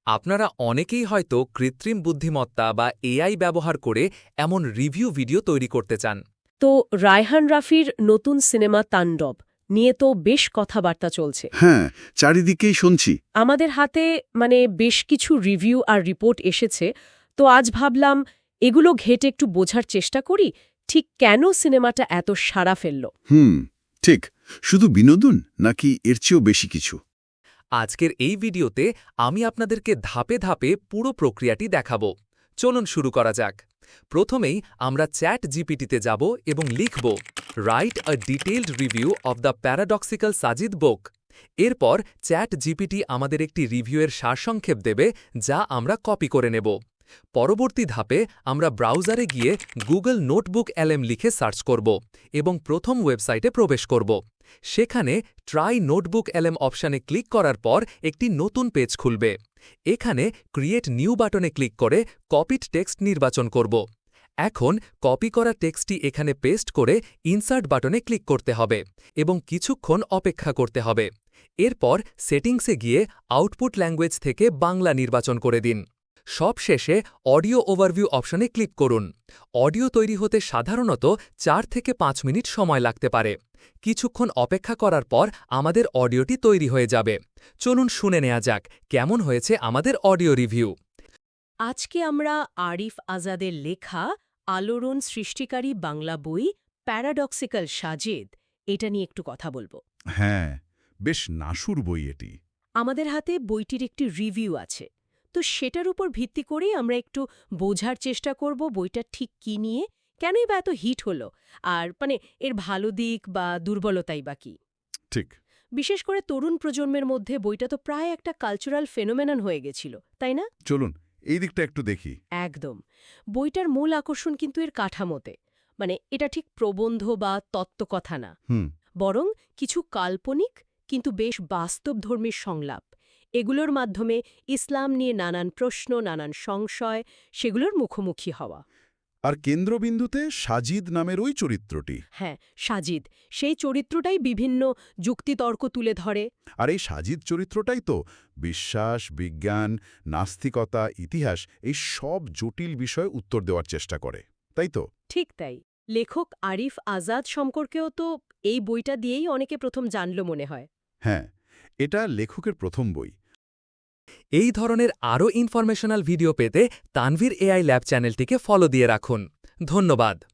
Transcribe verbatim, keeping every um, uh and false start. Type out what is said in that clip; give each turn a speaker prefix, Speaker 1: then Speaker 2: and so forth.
Speaker 1: আপনারা অনেকেই হয়তো কৃত্রিম বুদ্ধিমত্তা বা এআই ব্যবহার করে এমন রিভিউ ভিডিও তৈরি করতে চান।
Speaker 2: তো রায়হান রাফির নতুন সিনেমা তাণ্ডব নিয়ে তো বেশ কথাবার্তা চলছে।
Speaker 3: হ্যাঁ, চারিদিকেই শুনছি।
Speaker 2: আমাদের হাতে মানে বেশ কিছু রিভিউ আর রিপোর্ট এসেছে, তো আজ ভাবলাম এগুলো ঘেটে একটু বোঝার চেষ্টা করি ঠিক কেন সিনেমাটা এত সাড়া ফেলল।
Speaker 3: হুম, ঠিক। শুধু বিনোদন নাকি এর চেয়েও বেশি কিছু?
Speaker 1: আজকের এই ভিডিওতে আমি আপনাদেরকে ধাপে ধাপে পুরো প্রক্রিয়াটি দেখাব। চলুন শুরু করা যাক। প্রথমেই আমরা চ্যাট জিপিটিতে যাব এবং লিখব write a detailed review of the paradoxical Sajid book. এরপর চ্যাট জিপিটি আমাদের একটি রিভিউয়ের সারসংক্ষেপ দেবে, যা আমরা কপি করে নেব। পরবর্তী ধাপে আমরা ব্রাউজারে গিয়ে গুগল নোটবুক এলএম লিখে সার্চ করব এবং প্রথম ওয়েবসাইটে প্রবেশ করব। সেখানে ট্রাই নোটবুক এলএম অপশানে ক্লিক করার পর একটি নতুন পেজ খুলবে। এখানে ক্রিয়েট নিউ বাটনে ক্লিক করে কপিড টেক্সট নির্বাচন করব। এখন কপি করা টেক্সটটি এখানে পেস্ট করে ইনসার্ট বাটনে ক্লিক করতে হবে এবং কিছুক্ষণ অপেক্ষা করতে হবে। এরপর সেটিংসে গিয়ে আউটপুট ল্যাঙ্গুয়েজ থেকে বাংলা নির্বাচন করে দিন। সবশেষে অডিও ওভারভিউ অপশনে ক্লিক করুন। অডিও তৈরি হতে সাধারণত চার থেকে পাঁচ মিনিট সময় লাগতে পারে। কিছুক্ষণ অপেক্ষা করার পর আমাদের অডিওটি তৈরি হয়ে যাবে। চলুন শুনে নেওয়া যাক কেমন হয়েছে আমাদের অডিও রিভিউ।
Speaker 2: আজকে আমরা আরিফ আজাদের লেখা আলোড়ন সৃষ্টিকারী বাংলা বই প্যারাডক্সিক্যাল সাজিদ এটা নিয়ে একটু কথা বলবো।
Speaker 3: হ্যাঁ, বেশ নাসুর বই এটি।
Speaker 2: আমাদের হাতে বইটির একটি রিভিউ আছে, তো সেটার উপর ভিত্তি করেই আমরা একটু বোঝার চেষ্টা করব বইটা ঠিক কী নিয়ে, কেনই বা এত হিট হলো, আর মানে এর ভালো দিক বা দুর্বলতাই বা কী।
Speaker 3: ঠিক।
Speaker 2: বিশেষ করে তরুণ প্রজন্মের মধ্যে বইটা তো প্রায় একটা কালচারাল ফেনোমেনন হয়ে গেছিল, তাই না?
Speaker 3: চলুন এই দিকটা একটু দেখি।
Speaker 2: একদম। বইটার মূল আকর্ষণ কিন্তু এর কাঠামোতে, মানে এটা ঠিক প্রবন্ধ বা তত্ত্বকথা না,
Speaker 3: হুম।
Speaker 2: বরং কিছু কাল্পনিক কিন্তু বেশ বাস্তবধর্মী সংলাপ। এগুলোর মাধ্যমে ইসলাম নিয়ে নানান প্রশ্ন, নানান সংশয়, সেগুলোর মুখোমুখি হওয়া।
Speaker 3: আর কেন্দ্রবিন্দুতে সাজিদ নামের ওই চরিত্রটি।
Speaker 2: হ্যাঁ, সাজিদ, সেই চরিত্রটাই বিভিন্ন যুক্তিতর্ক তুলে ধরে।
Speaker 3: আর এই সাজিদ চরিত্রটাই তো বিশ্বাস, বিজ্ঞান, নাস্তিকতা, ইতিহাস এই সব জটিল বিষয়ে উত্তর দেওয়ার চেষ্টা করে, তাই তো?
Speaker 2: ঠিক তাই। লেখক আরিফ আজাদ সম্পর্কেও তো এই বইটা দিয়েই অনেকে প্রথম জানল মনে হয়।
Speaker 3: হ্যাঁ, এটা লেখকের প্রথম বই।
Speaker 1: এই ধরনের আরও ইনফরমেশনাল ভিডিও পেতে তানভীর এআই ল্যাব চ্যানেলটিকে ফলো দিয়ে রাখুন। ধন্যবাদ।